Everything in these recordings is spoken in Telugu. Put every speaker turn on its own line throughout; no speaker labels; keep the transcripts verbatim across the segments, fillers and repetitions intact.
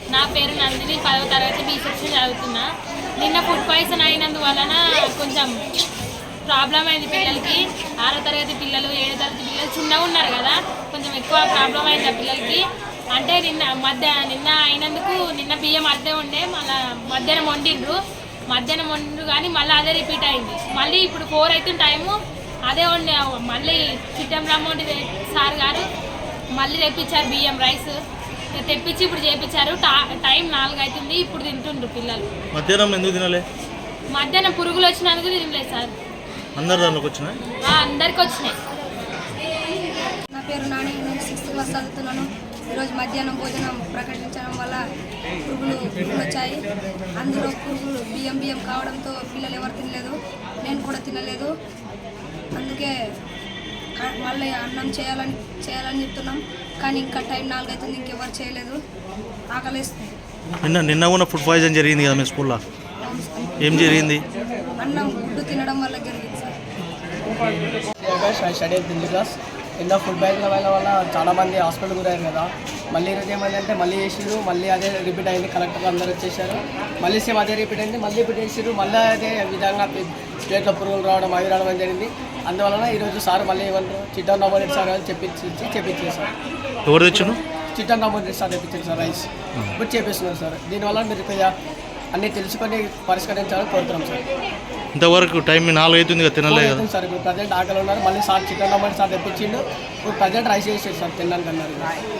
నా పేరు నందిని, పదవ తరగతి బి సెక్షన్ చదువుతున్నా. నిన్న ఫుడ్ పాయిజన్ అయినందువలన కొంచెం ప్రాబ్లం అయింది పిల్లలకి. ఆరో తరగతి పిల్లలు, ఏడో తరగతి పిల్లలు చిన్నగా ఉన్నారు కదా, కొంచెం ఎక్కువ ప్రాబ్లం అయింది ఆ పిల్లలకి. అంటే నిన్న మధ్య నిన్న అయినందుకు నిన్న బియ్యం అద్దె ఉండే, మళ్ళీ మధ్యాహ్నం వండిండ్రు మధ్యాహ్నం వండిండ్రు కానీ మళ్ళీ అదే రిపీట్ అయింది. మళ్ళీ ఇప్పుడు ఫోర్ అవుతుంది టైము, అదే వండి మళ్ళీ చిట్టం రామోడి సార్ గారు మళ్ళీ తెప్పించారు బియ్యం రైస్ తెప్పించి ఇప్పుడు చేయించారు. టైం నాలుగు అవుతుంది, ఇప్పుడు తింటుండ్రు పిల్లలు.
మధ్యాహ్నం ఎందుకు తినలే?
మధ్యాహ్నం పురుగులు వచ్చినందుకు తినలేదు సార్.
అందరు దాంట్లోకి వచ్చినాయి?
అందరికి వచ్చినాయి.
నా పేరు నాని, నేను సిక్స్త్ క్లాస్ చదువుతున్నాను. ఈరోజు మధ్యాహ్నం భోజనం ప్రకటించడం వల్ల పురుగులు పురుగులు వచ్చాయి. అందులో పురుగులు బియ్యం బియ్యం కావడంతో పిల్లలు ఎవరు తినలేదు, నేను కూడా తినలేదు. అందుకే మళ్ళీ అన్నం చేయాలని చేయాలని చెప్తున్నాం, కానీ ఇంకా టైం నాలుగు అవుతుంది, ఇంకెవరు చేయలేదు. ఆకలిస్తుంది.
నిన్న నిన్న కూడా ఫుడ్ పాయిజన్ జరిగింది కదా మీ స్కూల్లో, ఏం జరిగింది?
అన్నం గుడ్డు తినడం వల్ల జరిగింది సార్.
Study tenth class. ఎన్నో ఫుడ్ పాయిజన్ వల్ల వల్ల చాలామంది హాస్పిటల్ గురయ్యారు కదా. మళ్ళీ ఈరోజు ఏమైందంటే మళ్ళీ చేసిరు, మళ్ళీ అదే రిపీట్ అయింది. కలెక్టర్ అందరూ వచ్చేసారు, మళ్ళీ సేమ్ అదే రిపీట్ అయింది, మళ్ళీ రిపీట్ చేసిరు. మళ్ళీ అదే విధంగా ప్లేట్లో పురుగులు రావడం అవి రావడం జరిగింది. అందువలన ఈరోజు సార్ మళ్ళీ ఏమంటారు చిట్టన్ రామోరెడ్డి సార్ చెప్పించి చెప్పించారు సార్.
ఎవరు తెచ్చారు?
చిట్టన్ రామోరెడ్డి సార్ తెప్పించారు సార్ రైస్. ఇప్పుడు చేపిస్తున్నారు సార్. దీనివల్ల మీరు కొద్దిగా అన్నీ తెలుసుకొని పరిష్కరించాలని కోరుతున్నాం సార్.
ఇంతవరకు టైం నాలుగు అవుతుంది కదా, తినలేదు కదా
సార్. ఇప్పుడు ప్రజెంట్ ఆకలి ఉన్నారు, మళ్ళీ సార్ చికెన్ రామోరెడ్డి సార్ తెప్పించిండు. ఇప్పుడు ప్రజెంట్ రైస్ చేసారు సార్, తినడానికి అన్నారు.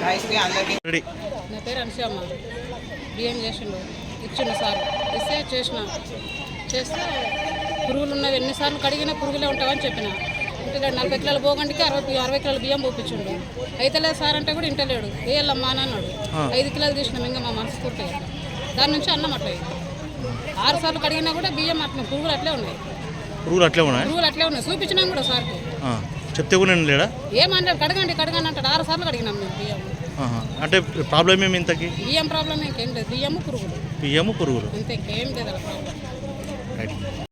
నా పేరు అనుషమ్మ. బియ్యం చేసిండు, ఇచ్చిండు సార్. ఇస్తే చేసిన చేస్తే పురుగులు ఉన్నవి ఎన్నిసార్లు కడిగినా పురుగులే ఉంటావని చెప్పిన. ఇంటలేడు. నలభై కిలోల పోగండికి అరవై అరవై కిలోల బియ్యం పోపించిండు. అయితలేదు సార్ అంటే కూడా ఇంటలేడు. వేయాలమ్మా అని అన్నాడు. ఐదు కిలోలు తీసినాం ఇంకా మా మనసు పూర్తిగా. దాని నుంచి అన్నం అట్లా ఆరు సార్లు కడిగినా కూడా బియ్యం అట్లా పురుగులు అట్లే ఉన్నాయి.
పురుగులు అట్లే ఉన్నాయి
పురుగులు అట్లే ఉన్నాయి చూపించినాం కూడా సార్కి.
చెప్తే కూడా నేను లేడా?
ఏమన్నాడు? కడగండి కడగండి అంటాడు. ఆరు సార్లు కడిగినాం మేము బియ్యం.
అంటే ప్రాబ్లం ఏమి ఇంతకి?
బియ్యం ప్రాబ్లం ఇంకేం లేదు, బియ్యము పురుగులు.
బియ్యము పురుగులు
అంతే, ఇంకేం లేదు అలా ప్రాబ్లం.